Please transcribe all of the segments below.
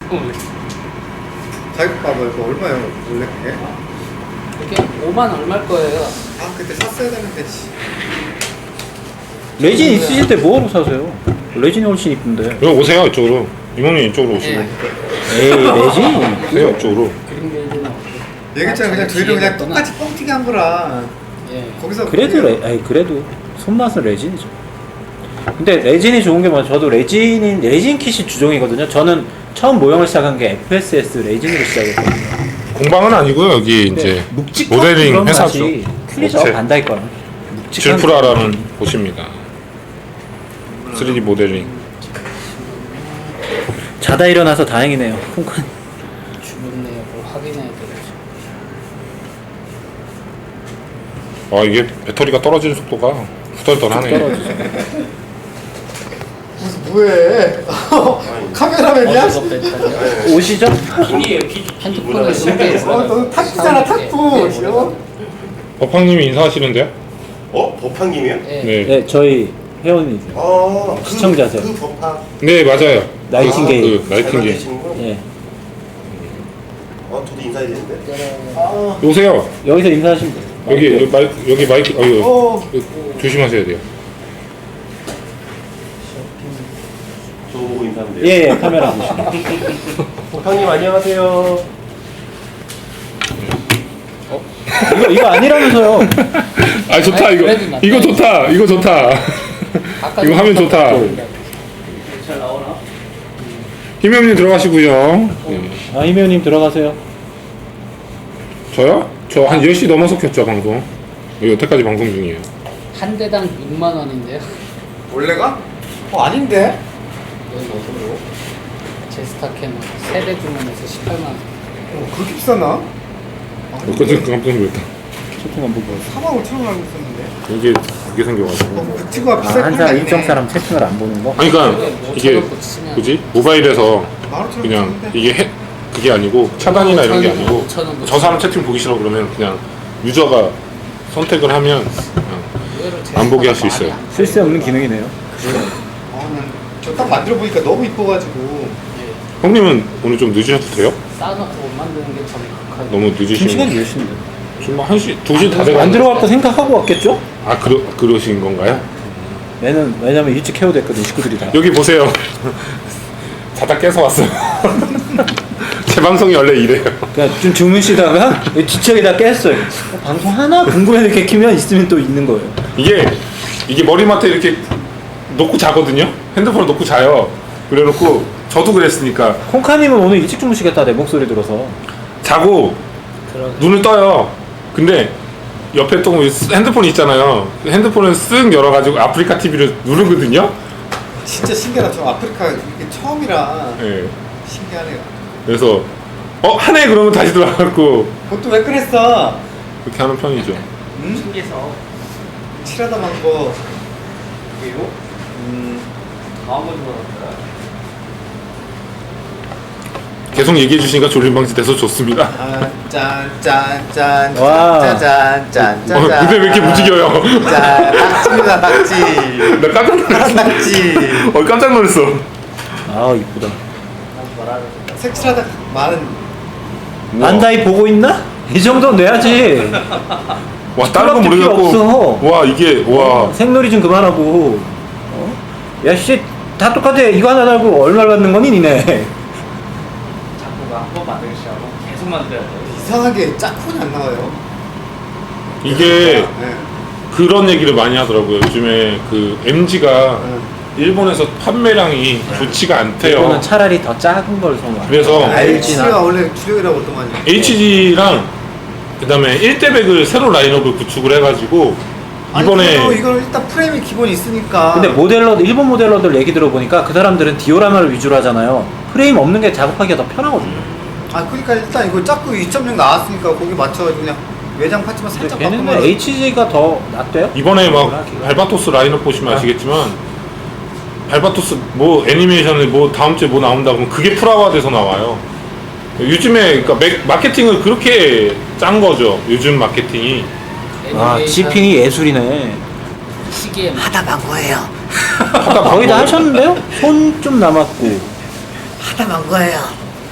가격 봐봐요. 이거 얼마예요? 원래 그게? 이게 5만 얼마일 거예요. 아 그때 샀어야 되는데. 레진 있으실 때 뭐하러 사세요? 레진이 훨씬 이쁜데. 여기 오세요 이쪽으로. 이모님 이쪽으로 오시고. 에이 레진? 오세요 이쪽으로. 그림 레이드는 어때? 얘기했잖아. 그냥 저희도 그냥 똑같이 뻥튀기 한 거라. 예. 거기서 그래도 그래도 손맛은 레진이죠. 근데 레진이 좋은 게 뭐냐? 저도 레진 킷이 주종이거든요. 저는 처음 모형을 시작한 게 FSS 레진으로 시작했거든요. 공방은 아니고요 여기 이제 묵직한 모델링 그런 회사죠. 맛이 틀리죠. 업체. 반다이 거랑. 질프라라는 곳입니다. 3D 모델링. 자다 일어나서 다행이네요. 콩칸. 주문네요. 뭐 확인해야 되겠죠. 아 이게 배터리가 떨어지는 속도가 후덜덜하네. 떨어지죠. 무슨 뭐해? 카메라맨이야? 어디서 뺐다고요? 오시죠? 핸드폰을 신기해서. 너 탁구잖아 탁구. 법황님이 인사하시는데요? 법한님이요? 예. 네. 네, 저희 회원이세요. 시청자세요. 그 법한. 네 맞아요. 나이팅게일. 그 나이팅게일. 예. 저도 인사해야 되는데. 오세요. 여기서 인사하시면 돼요. 여기 마이크 이거 조심하셔야 돼요. 저 보고 인사하면 돼요. 예, 카메라 보시면. 법한님 안녕하세요. 이거 아니라면서요. 아 좋다 아니, 이거. 그래도 낫다. 이거 좋다. 이거 좋다. 아까 이거 하면 좋다. 잘 나오나? 희명님 들어가시고요. 아, 이매우님 들어가세요. 저요? 저 한 10시 넘어서 켰죠 방송. 여태까지 방송 중이에요. 한 대당 6만 원인데요. 원래가? 아닌데? 여기 어디로? 제스타캠 세대 주문해서 18만 원. 그렇게 비싸나? 그것도 깜짝 놀랐다. 채팅 한번 보세요. 4만 5천 원 알고 있었는데. 이게 그게 생겨가지고. 뷰티가 비쌀 한 사람 일정 사람 채팅을 안 보는 거? 아니 그러니까 이게 뭐지? 모바일에서 15,000원 그냥 샀는데. 이게 그게 아니고 차단이나 이런 게 아니고 5,000원 저 사람 채팅 보기 싫어 그러면 그냥 유저가 선택을 하면 그냥 안 보게 할 수 있어요. 쓸데없는 기능이네요. 저 딱 만들어 보니까 너무 이뻐가지고. 형님은 오늘 좀 늦으셔도 돼요? 쌓아놓고 못 만드는 게 저는 극하죠. 너무 2시간 늦으시면 몇인데? 지금 뭐 1시, 2시 다 돼가지고 안 들어갈 거 생각하고 왔겠죠? 아 그러신 건가요? 왜냐면 일찍 해오됐거든 식구들이 다. 여기 보세요. 자다 깨서 왔어요. 제 방송이 원래 이래요. 그러니까 좀 주무시다가 뒤척이다 깼어요. 방송 하나 궁금해 이렇게 키면 있으면 또 있는 거예요. 이게 머리맡에 이렇게 놓고 자거든요. 핸드폰을 놓고 자요. 그래놓고 저도 그랬으니까 콩카님은 오늘 일찍 주무시겠다 내 목소리 들어서. 자고 눈을 떠요. 근데 옆에 또 핸드폰이 있잖아요. 핸드폰을 쓱 열어가지고 아프리카 TV를 누르거든요. 진짜 신기하다. 저 아프리카 이게 처음이라 예. 신기하네요. 그래서 하네 그러면 다시 들어가고 그것도 왜 그랬어? 그렇게 하는 편이죠. 응? 신기해서 칠하다 만 거. 그리고 다음 번 들어갔다. 계속 얘기해 주시니까 졸림 방지 돼서 좋습니다. 짠짠짠 와. 짠짠짠짠. 무대 왜 이렇게 움직여요? 짠 낙지입니다 낙지. 나 깜짝 놀랐어. 낙지. 깜짝 놀랐어. 아 이쁘다. 색칠하다 많은. 안다이 보고 있나? 이 정도는 내야지. 와 다른 거 필요 모르겠고. 없어. 와 이게 와. 생놀이 좀 그만하고. 야씨 다 똑같아. 이거 하나 달고 얼마 받는 거니 니네. 자꾸가 한 번 만들기 시작하고 계속 만들어야 돼. 이상하게 짝꿍이 안 나와요. 이게 네. 그런 얘기를 많이 하더라고요. 요즘에 그 MG가 일본에서 판매량이 좋지가 않대요. 이거는 차라리 더 작은 걸 선호해. 그래서 LG가 원래 주력이라고 했더만요. HG랑 그다음에 1대백을 새로 라인업을 구축을 해가지고 이번에 이거는 일단 프레임이 기본이 있으니까. 근데 일본 모델러들 얘기 들어보니까 그 사람들은 디오라마를 위주로 하잖아요. 프레임 없는 게 작업하기가 더 편하거든요. 그러니까 일단 이거 짝꿍 2.0 나왔으니까 거기 맞춰가지고 그냥 외장 파츠만 살짝 걔네는 바꾸면. HG가 더 낫대요? 이번에 막 발바토스 라인업 보시면 아시겠지만 발바토스 뭐 애니메이션을 뭐 다음 주에 뭐 나온다 그러면 그게 프라화돼서 나와요. 요즘에 그러니까 마케팅을 그렇게 짠 거죠. 요즘 마케팅이. 지핑이 예술이네. 시계에 하다 만 거예요. 거의 다 하셨는데요? 손 좀 남았고. 하다 만 거예요.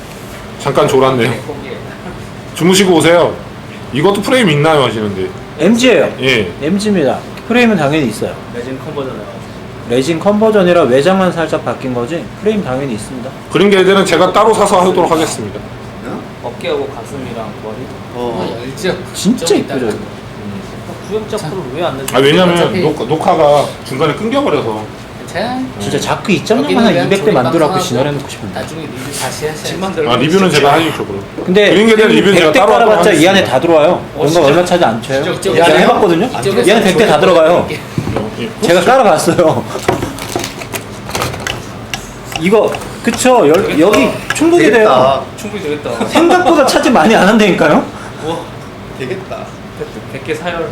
잠깐 졸았네요. 거기에 주무시고 오세요. 이것도 프레임 있나요 하시는데. MG예요. 예. MG입니다. 프레임은 당연히 있어요. 레진 컨버전 나와서 레진 컨버전이라 외장만 살짝 바뀐 거지 프레임 당연히 있습니다. 그린 게이드는 제가 따로 사서 하도록 하겠습니다. 어깨하고 가슴이랑 머리. 어. 알죠? 진짜 이쁘죠. 이거. 구형자 프로 왜안 넣지? 아 왜냐면 녹화가 중간에 끊겨버려서. 진짜 자크 2.0만 한 200대 만들어갖고 진화해놓고 싶은데. 나중에 리뷰 다시 하세요. 아 리뷰는 제가 하겠죠 그럼. 근데 그린 게이드 리뷰는 제가 100대 따로 하도록 깔아봤자 이 안에 하겠습니다. 다 들어와요. 뭔가 진짜? 얼마 차지 안 쳐요. 진짜? 이 안에 해봤거든요. 이 안에 100대 다 들어가요. 예. 제가 깔아봤어요. 이거 그쵸? 여기 충분히 돼요. 되겠다. 충분히 되겠다. 생각보다 차지 많이 안 한다니까요. 와, 되겠다. 100개 사열.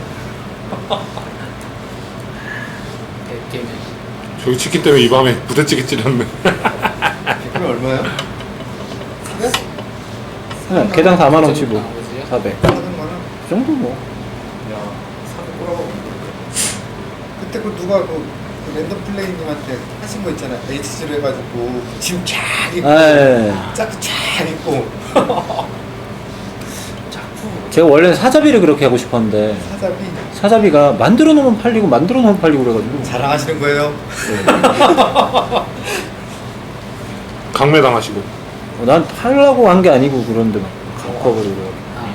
100개면. 저기 치킨 때문에 이 밤에 부대찌개 찌렸네. 그럼 얼마야? 그냥 개당 4만 원 치고 400. 400만 원? 그 정도 뭐. 그때 그 누가 그 랜덤 플레이님한테 하신 거 있잖아. HG로 해가지고 지금 쫙 입고 예. 짝쫙 입고 제가 원래는 사자비를 그렇게 하고 싶었는데 사자비 사자비가 만들어 놓으면 팔리고 만들어 놓으면 팔리고 그래가지고 자랑하시는 거예요? 강매당하시고. 난 팔라고 한 게 아니고 그런데 막 갖고 와버리고.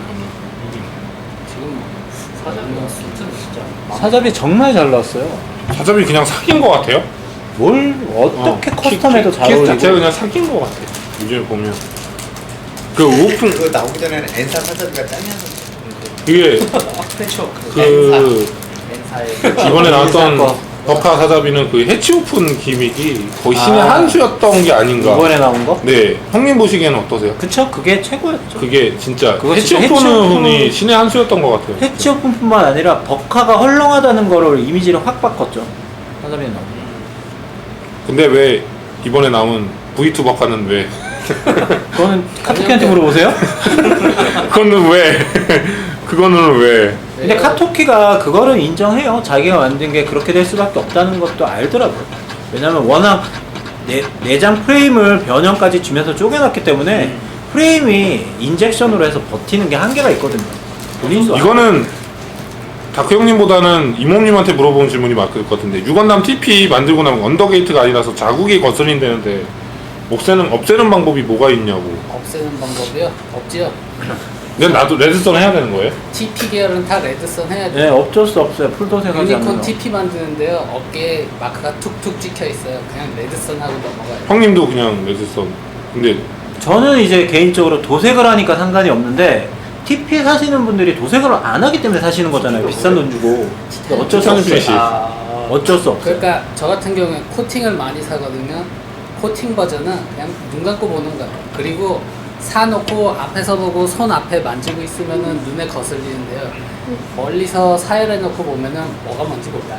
지금 사장님 수트는 진짜. 사자비 정말 잘 나왔어요. 사자비 그냥 사귄 것 같아요. 뭘 어떻게 커스텀해도 잘 키 어울리고. 자체가 그냥 사귄 것 같아. 요즘에 보면 그 오픈 그거 나오기 전에는 엔사 사자비가 짱이었는데 이게 패치워크. 그 렌사에. 이번에 나왔던 거. 버카 사자비는 그 해치 오픈 기믹이 거의 신의 아. 한 수였던 게 아닌가. 이번에 나온 거? 네, 형님 보시기에는 어떠세요? 그쵸? 그게 최고였죠. 그게 진짜 그거 해치 진짜 오픈이 해치 신의 한 수였던 것 같아요. 해치 오픈뿐만 아니라 버카가 헐렁하다는 거를 이미지를 확 바꿨죠. 사자비는 나온 거. 근데 왜 이번에 나온 V2 버카는 왜? 그거는 카토키한테 물어보세요. 그거는 왜? 그거는 왜? 근데 카토키가 그거를 인정해요. 자기가 만든 게 그렇게 될 수밖에 없다는 것도 알더라고요. 왜냐면 워낙 내장 프레임을 변형까지 주면서 쪼개놨기 때문에 프레임이 인젝션으로 해서 버티는 게 한계가 있거든요. 본인도 이거는 다크 형님보다는 이모님한테 물어보는 질문이 맞을 것 같은데 유건담 TP 만들고 나면 언더게이트가 아니라서 자국이 거슬린다는데 없애는 방법이 뭐가 있냐고. 없애는 방법이요? 없지요. 근데 나도 레드선 해야 되는 거예요? TP 계열은 다 레드선 해야죠. 네, 어쩔 수 없어요. 풀도색하지 않는 유니콘 거. TP 만드는데요. 어깨에 마크가 툭툭 찍혀 있어요. 그냥 레드선하고 넘어가요. 형님도 그냥 레드선. 근데 저는 이제 개인적으로 도색을 하니까 상관이 없는데 TP 사시는 분들이 도색을 안 하기 때문에 사시는 거잖아요. 비싼 돈 주고. 어쩔 수 없어요. 씨. 어쩔 수 없어요. 그러니까 저 같은 경우에 코팅을 많이 사거든요. 코팅 버전은 그냥 눈 감고 보는 거예요. 그리고 사놓고 앞에서 보고 손 앞에 만지고 있으면은 눈에 거슬리는데요. 멀리서 사열해놓고 보면은 뭐가 뭔지 몰라요.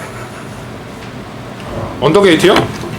언더게이트요?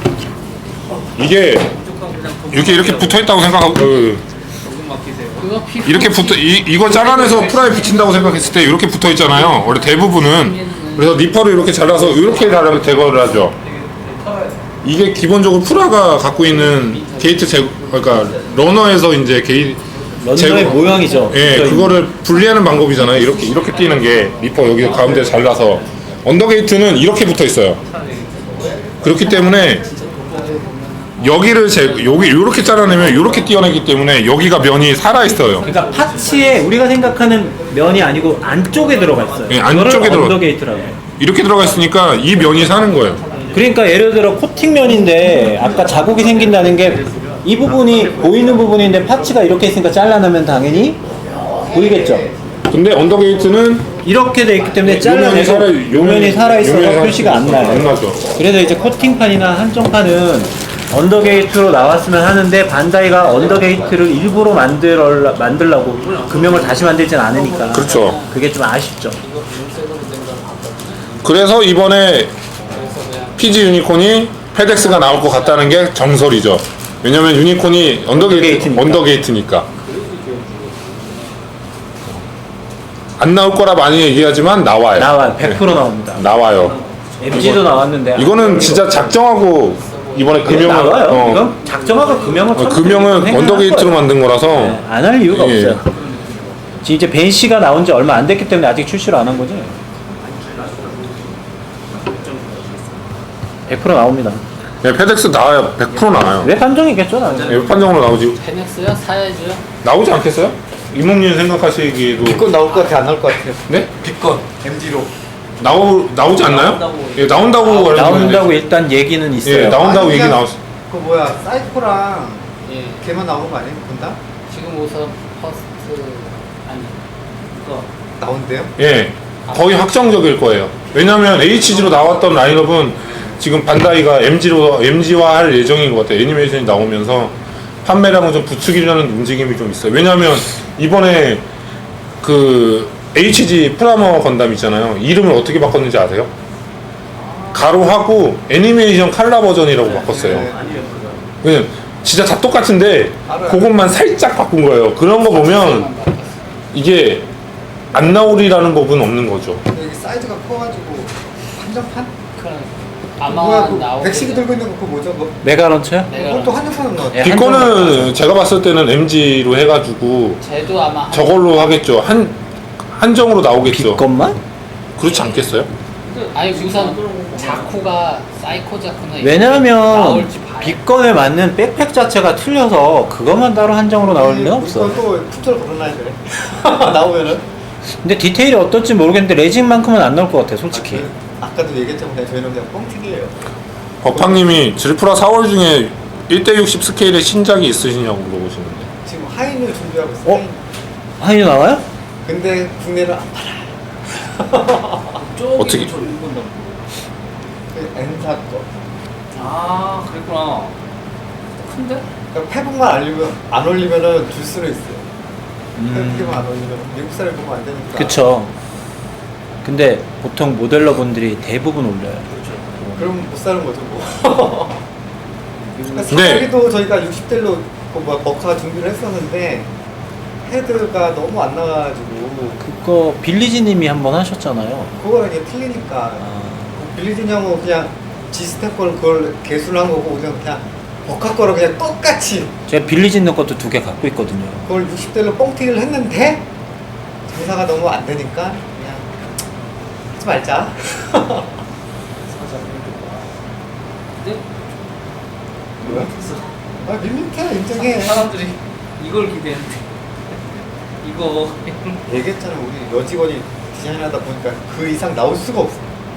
이게 무조건 그냥 이렇게 붙어 있다고 생각하고 녹음 맡기세요. 그거 피 이렇게 붙어 이거 잘라내서 프라이 붙인다고 생각했을 때 이렇게 붙어 있잖아요. 원래 대부분은 그래서 니퍼를 이렇게 잘라서 이렇게 잘라서 제거를 하죠. 이게 기본적으로 프라가 갖고 있는 게이트 그러니까 러너에서 이제 런너의 모양이죠. 예, 그러니까 그거를 분리하는 방법이잖아요. 이렇게 띄는 게 니퍼 여기 가운데 잘라서 언더게이트는 이렇게 붙어 있어요. 그렇기 때문에 여기를 여기 이렇게 잘라내면 이렇게 띄어내기 때문에 여기가 면이 살아 있어요. 그러니까 파츠에 우리가 생각하는 면이 아니고 안쪽에 들어가 있어요. 예, 안쪽에 그거를 들어가- 언더게이트라고 해요. 이렇게 들어가 있으니까 이 면이 사는 거예요. 그러니까 예를 들어 코팅면인데 아까 자국이 생긴다는 게 이 부분이 보이는 부분인데 파츠가 이렇게 있으니까 잘라내면 당연히 보이겠죠. 근데 언더게이트는 이렇게 돼 있기 때문에 잘라내서 요면이 살아있어서 표시가 안 나요. 안 나죠. 그래서 이제 코팅판이나 한정판은 언더게이트로 나왔으면 하는데 반다이가 언더게이트를 일부러 만들려고 금형을 다시 만들진 않으니까 그렇죠. 그게 좀 아쉽죠. 그래서 이번에 PG 유니콘이 페덱스가 나올 것 같다는 게 정설이죠. 왜냐면 유니콘이 언더게이트니까. 안 나올 거라 많이 얘기하지만 나와요. 나와요. 100% 나옵니다. 나와요. MG도 나왔는데 이거는 진짜 작정하고 이번에 금형을 나와요. 이건 작정하고 금형을 금형은 생각할 언더게이트로 거예요. 만든 거라서 네, 안 할 이유가 예. 없어요. 지금 이제 벤시가 나온 지 얼마 안 됐기 때문에 아직 출시를 안 한 거지. 100% 나옵니다. 네, 페덱스 나와요. 100% 나와요. 왜 판정이겠죠, 나는. 네, 판정으로 나오지. 페넥스요? 사야죠. 나오지 않겠어요? 이몽님 생각하시기에도 빅건 나올 것 같아, 안 나올 것 같아요. 네? 빅건 MG로. 나오지 않나요? 나온다고 예, 나온다고 알고 있는데. 나온다고 일단 얘기는 있어요. 예, 나온다고 아니, 얘기 그냥 나왔어. 그 뭐야 사이코랑 예. 걔만 나오는 거 아니에요? 건담? 지금 우선 퍼스트 아니 이거 나온대요? 예, 거의 확정적일 거예요. 왜냐면 HG로 나왔던 라인업은 지금 반다이가 MG화 할 예정인 것 같아요. 애니메이션이 나오면서 판매량을 좀 부추기려는 움직임이 좀 있어요. 왜냐면 이번에 그 HG 프라모 건담 있잖아요. 이름을 어떻게 바꿨는지 아세요? 가로하고 애니메이션 칼라 버전이라고 바꿨어요. 네. 그냥 진짜 다 똑같은데 알아요. 그것만 살짝 바꾼 거예요. 그런 거 보면 이게 안 나오리라는 법은 없는 거죠. 여기 사이즈가 커가지고 한정판? 아마 뭐야 그 나오고 백식이 들고 있는 거 그거 뭐죠? 뭐, 메가런처요? 그것도 한정판인 것 같아. 예, 빅거는 제가 봤을 때는 MG로 해가지고 쟤도 아마 저걸로 하겠죠. 한정으로 나오겠죠. 빅것만? 그렇지 않겠어요? 아니 우선 자쿠가 사이코 자쿠는 왜냐면 나올지 봐야 빅건에 맞는 백팩 자체가 틀려서 그것만 따로 한정으로 나올 리는 없어. 또 풋절 걸어놔야 돼. 나오면은. 근데 디테일이 어떨지 모르겠는데 레진만큼은 안 나올 것 같아, 솔직히. 아까도 얘기했지만 그냥 저희는 그냥 뻥튀기예요. 버팡님이 질프라 4월 중에 1대60 스케일의 신작이 있으시냐고 물어보시는데. 지금 하인을 준비하고 있어요. 어? 하인이 나와요? 근데 국내는 안 팔아. 어떻게? 저 일본다. 그 엔사 거. 아 그랬구나. 큰데? 그러니까 페북만 안 올리면은 줄 수는 있어요. 페북만 안 올리면 미국 사람이 보면 안 되니까. 그쵸. 근데 보통 모델러 분들이 대부분 올려요. 그럼 못 사는 거죠 뭐. 그러니까 네. 사기도 저희가 60대로 버카 준비를 했었는데 헤드가 너무 안 나가지고 그거 빌리지님이 한번 하셨잖아요. 그거랑 이게 틀리니까 아, 빌리진 형은 그냥 지스텝 걸 그걸 개수를 한 거고 그냥 버카 거를 그냥 똑같이 제가 빌리지님 것도 2개 갖고 있거든요. 그걸 60대로 뻥튀기를 했는데 장사가 너무 안 되니까 그냥 하지 말자. 근데 뭐야? 아 밋밋해 인정해. 사람들이 이걸 기대했는데 이거 얘기했잖아 우리 여직원이 디자인하다 보니까 그 이상 나올 수가 없어.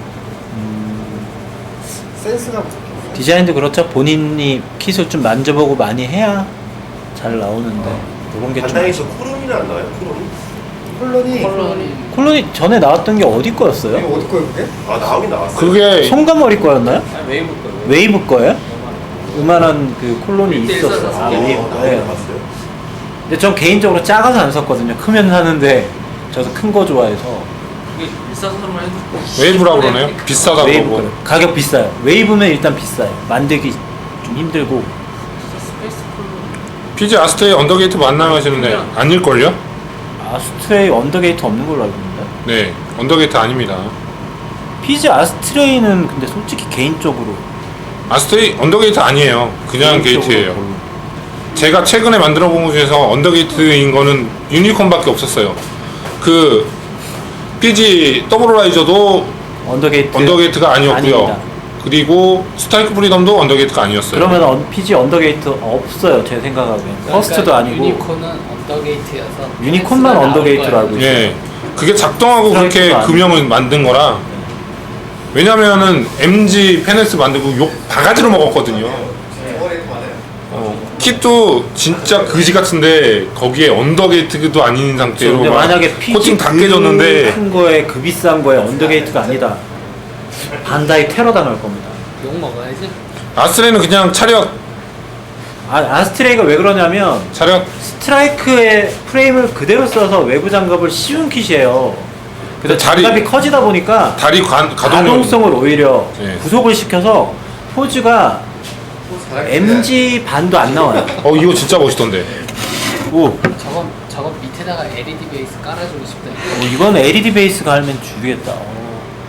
센스가 부족해. 디자인도 그렇죠. 본인이 킷을 좀 만져보고 많이 해야 잘 나오는데 그런 게 좀. 반다이에서 쿠론이는 안 나와요? 쿠론? 콜론이 콜론이 전에 나왔던 게 어디 거였어요? 이거 어디 거예요 그게? 아 나오긴 나왔어요. 그게 송가머리 거였나요? 아니, 웨이브 거예요. 웨이브 거예요? 요만한 그 콜론이 일대일 있었어. 써서 아, 웨이브 나오긴 거예요. 나왔어요. 근데 전 개인적으로 작아서 안 샀거든요. 크면 사는데 저도 큰 거 좋아해서 이게 일사선으로 해도 웨이브라고 그러네요. 비싸다고 웨이브 그러고. 거예요. 가격 비싸요. 웨이브면 일단 비싸요. 만들기 좀 힘들고. 스페이스 콜로 피지 아스트레이 언더게이트 만나면 하시는데 아닐걸요? 아스트레이 언더게이트 없는 걸로 알고 있는데. 네, 언더게이트 아닙니다. 피지 아스트레이는 근데 솔직히 개인적으로 아스트레이 언더게이트 아니에요. 그냥 개인적으로 게이트예요. 별로. 제가 최근에 만들어 본 것 중에서 언더게이트인 거는 유니콘밖에 없었어요. 그 PG 더블라이저도 언더게이트 언더게이트가 아니었고요. 아닙니다. 그리고 스타이크 프리덤도 언더게이트가 아니었어요. 그러면 피지 언더게이트 없어요. 제 생각하기엔. 퍼스트도 아니고 유니콘은 언더게이트여서 유니콘만 페넥스가 언더게이트로 나올 알고 거예요. 있어요. 예, 그게 작동하고 그렇게 스트라이크도 아니고. 금형을 만든 거라. 왜냐면은 MG 페넥스 만들고 욕 바가지로 먹었거든요. 저거래도 많아요. kit도 진짜 그지 같은데 거기에 언더게이트도 아닌 상태로 근데 막 만약에 피지 코팅 다 깨졌는데 큰 거에 그 비싼 거에 언더게이트가 아니다. 반다이 테러 당할 겁니다. 욕 먹어야지. 아스트레이는 그냥 차렷 아스트레이가 왜 그러냐면 스트라이크의 프레임을 그대로 써서 외부 장갑을 씌운 kit이에요. 그래서 다리- 장갑이 커지다 보니까 다리 가동력 가동성을 오히려 네. 구속을 시켜서 포즈가 MG 반도 안 나와요. 이거 진짜 멋있던데. 오, 저건 밑에다가 LED 베이스 깔아주고 싶다. 이건 LED 베이스가 하면 죽이겠다.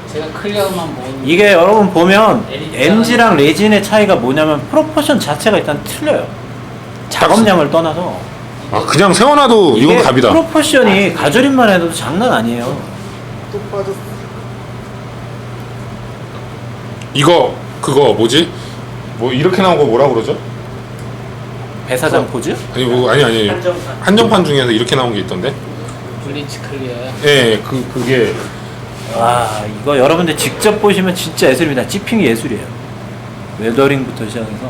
제가 클리어만 모은 이게 여러분 보면 MG랑 레진의 차이가 뭐냐면 프로포션 자체가 일단 틀려요. 작업량을 떠나서 아 그냥 세워놔도 이건 이게 갑이다. 프로포션이 가조림만 해도 장난 아니에요. 또 빠졌어. 이거 그거 뭐지? 뭐 이렇게 나온 거 뭐라 그러죠? 배사장 포즈? 아니 뭐 아니 한정판 중에서 이렇게 나온 게 있던데. 블리치 클리어요. 예, 그게 와 이거 여러분들 직접 보시면 진짜 예술입니다. 찌핑이 예술이에요. 웨더링부터 시작해서.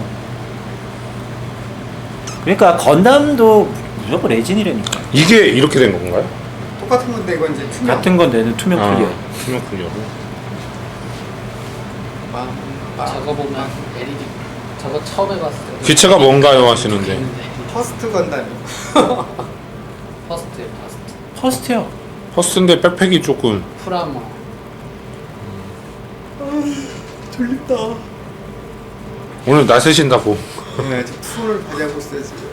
그러니까 건담도 무조건 레진이라니까. 이게 이렇게 된 건가요? 똑같은 건데 이건 이제 투명. 같은 건 내는 투명 클리어. 투명 클리어로. 저거 보면 LED 저거 처음 해봤을 때 기체가 뭔가요 하시는데. 퍼스트 건담. 퍼스트예요. 퍼스트요. 퍼스트인데 백팩이 조금 프라모. 졸립다. 오늘 나 세신다고. 네, 저 풀을 발휘하고 있어요 지금.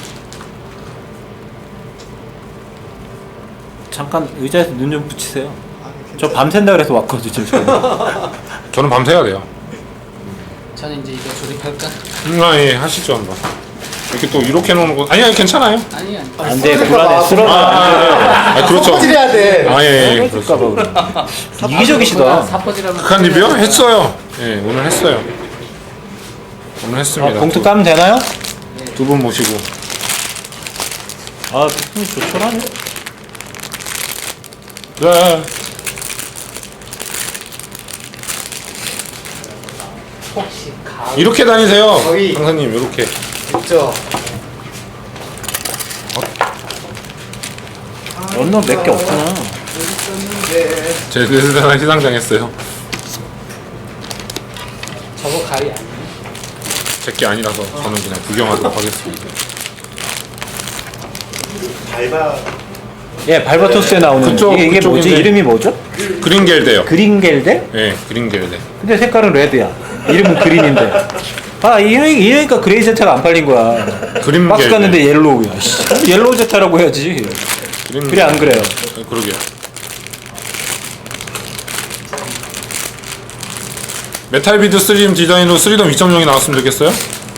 잠깐 의자에서 눈 좀 붙이세요. 아, 저 밤샌다 그래서 왔거든요. 지금. 저는 밤새야 돼요. 저는 이제 이거 조립할까? 예, 하시죠 한번. 이렇게 또 이렇게 놓는 거 아니야 괜찮아요. 아니. 안 돼, 불안해. 쓰러져. 그렇죠. 퍼즐해야 돼. 예, 그럴까봐 그래. 이기적이시다. 사퍼질하면 극한 리뷰요? 했어요. 예, 오늘 했어요. 오늘 했습니다. 봉투 까면 되나요? 두 분 모시고. 아, 부품이 조촐하네. 네. 혹시 가을 이렇게 다니세요, 거의. 강사님. 이렇게. 있죠. 런너 몇 개 없구나. 있었는데. 제 대단한 시상당했어요. 저거 가위 아니에요? 제게 아니라서 저는 그냥 구경하도록 하겠습니다. 밟아. 예, 발바토스에 나오는 이게 뭐지? 그쪽인데. 이름이 뭐죠? 그린겔데요. 그린겔데? 예, 그린겔데. 근데 색깔은 레드야. 이름은 그린인데. 아, 이러니까 그레이 제타가 안 팔린 거야. 그린 박스 게- 갔는데 옐로우야. 씨. 옐로우 제타라고 해야지. 그래, 안 그래요? 그러게요. 메탈비드 3D 디자인으로 3덤 2.0이 나왔으면 좋겠어요?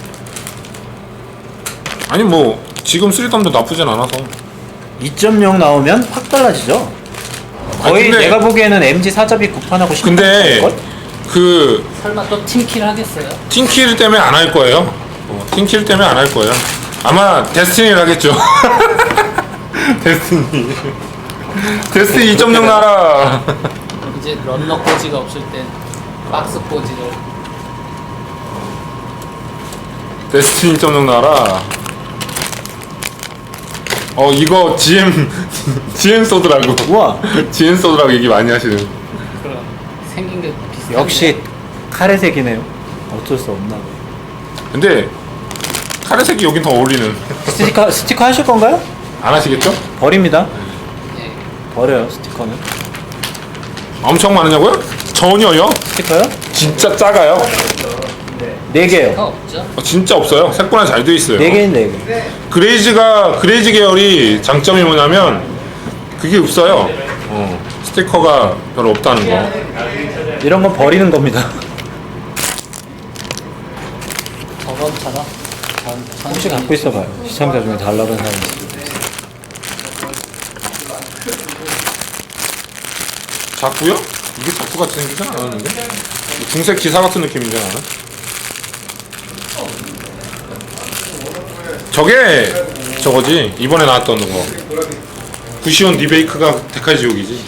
아니 뭐 지금 3덤도 나쁘진 않아서. 2.0 나오면 확 달라지죠. 거의 근데- 내가 보기에는 MG 사잡이 구판하고 싶은 근데 걸? 그 설마 또 팀킬 하겠어요? 팀킬 때문에 안 할 거예요. 팀킬 때문에 안 할 거예요. 아마 데스티니를 하겠죠. 데스티니. 데스티니 2.0 나라. 이제 런너 포지가 없을 땐 박스 포지를 데스티니 2.0 나라. 이거 GM 소드라고. 우와. GM 소드라고 얘기 많이 하시는. 그런 생긴 게 비슷한데 역시 카레색이네요. 어쩔 수 없나. 근데 카레색이 여긴 더 어울리는. 스티커 하실 건가요? 안 하시겠죠? 버립니다. 예. 버려요, 스티커는. 엄청 많으냐고요? 전혀요. 스티커요? 진짜 작아요. 4개요. 가 없죠? 진짜 없어요. 색깔이 잘 돼 있어요. 4개인 4개. 그레이즈 계열이 장점이 뭐냐면 그게 없어요. 스티커가 별로 없다는 거. 이런 건 버리는 겁니다. 저번처럼 혹시 갖고 있어봐요. 시청자 중에 달라는 사람이 있어요. 자꾸요? 이게 자꾸 같이 생기진 않았는데? 중색 기사 같은 느낌인데 나는? 저게 저거지 이번에 나왔던 거 구시온 리베이크가 데칼 지옥이지.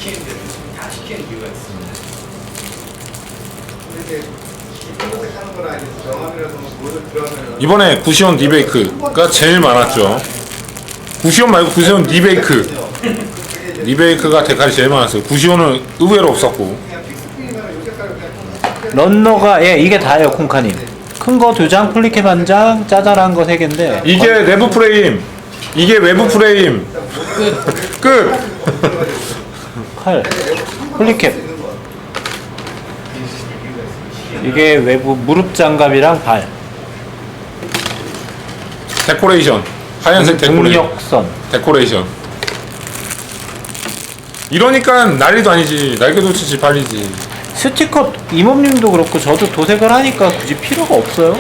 이번에 구시온 리베이크가 제일 많았죠. 구시온 말고 구시온 리베이크. 리베이크가 데칼이 제일 많았어요. 구시온은 의외로 없었고. 런너가 이게 다예요, 콩카님. 큰 거 2장, 플리캡 1장, 짜잘한 거 3개인데 이게 내부 프레임. 이게 외부 프레임. 끝. 칼, 플리캡. 이게 외부 무릎 장갑이랑 발. 데코레이션. 하얀색 데코레이션. 동력선. 데코레이션. 이러니까 난리도 아니지. 날개도 치지 발리지. 스티커 이모님도 그렇고 저도 도색을 하니까 굳이 필요가 없어요.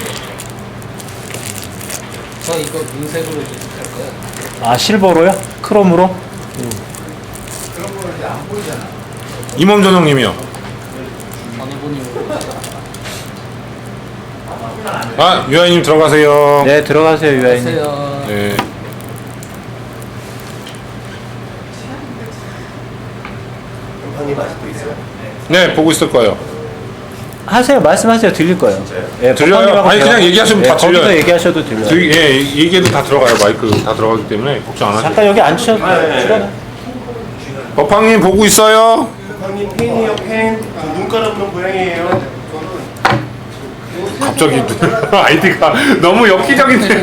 저 이거 눈색으로 도색할 거야. 아 실버로요? 크롬으로? 그런 거는 이제 안 보이잖아. 임원전 형님이요. 어느 분이 아 유아님 들어가세요. 네 들어가세요 유아인님. 오세요. 네. 형님 아직도 있어요? 네 보고 있을 거예요. 하세요 말씀하세요 들릴 거예요. 예, 들려요? 법관님하고 아니, 그냥 대화- 얘기하시면 다 거기서 들려요. 얘기하셔도 들려요. 예 얘기해도 다 들어가요. 마이크 다 들어가기 때문에 걱정 안 하세요. 잠깐 여기 앉으셔도 네. 돼요. 법황님 보고 있어요. 형님 팬이에요 팬. 눈 깔아보는 고양이에요. 갑자기 아이디가 너무 엽기적이네.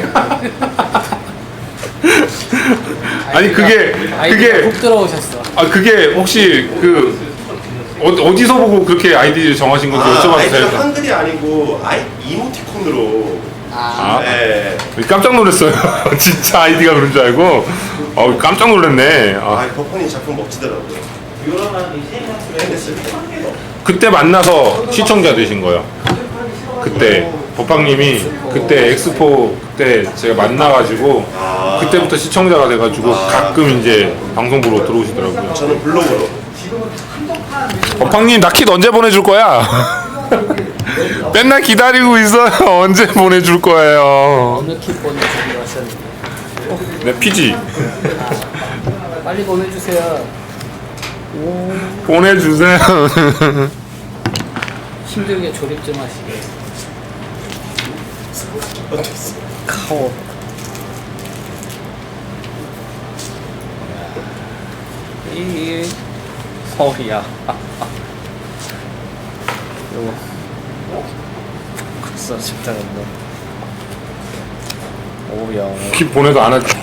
아니 그게 훅 들어오셨어. 아 그게 혹시 그 어디서 보고 그렇게 아이디 정하신 건지 여쭤봐도 아이디가 돼요? 한글이 아니고 이모티콘으로. 아, 아 네. 깜짝 놀랐어요. 진짜 아이디가 그런 줄 알고 깜짝 놀랐네. 아, 버퍼님 작품 멋지더라고요. 팬됐을 때. 그때 만나서 시청자 되신 거예요. 그때 법학님이 그때 엑스포 그때 제가 만나가지고 그때부터 시청자가 돼가지고 가끔 이제 방송 보러 들어오시더라고요. 저는 블로그로. 법학님 나 킷 언제 보내줄 거야? 맨날 기다리고 있어요. 언제 보내줄 거예요? 어느 킥 보내주기로 하셨는데. 네 피지 빨리 보내주세요. 보내주세요. 힘들게 조립 좀 하시게. 카오. 이 서울이야. 요거 글쎄 집단했네. 오야. 킷 보내도 안 할.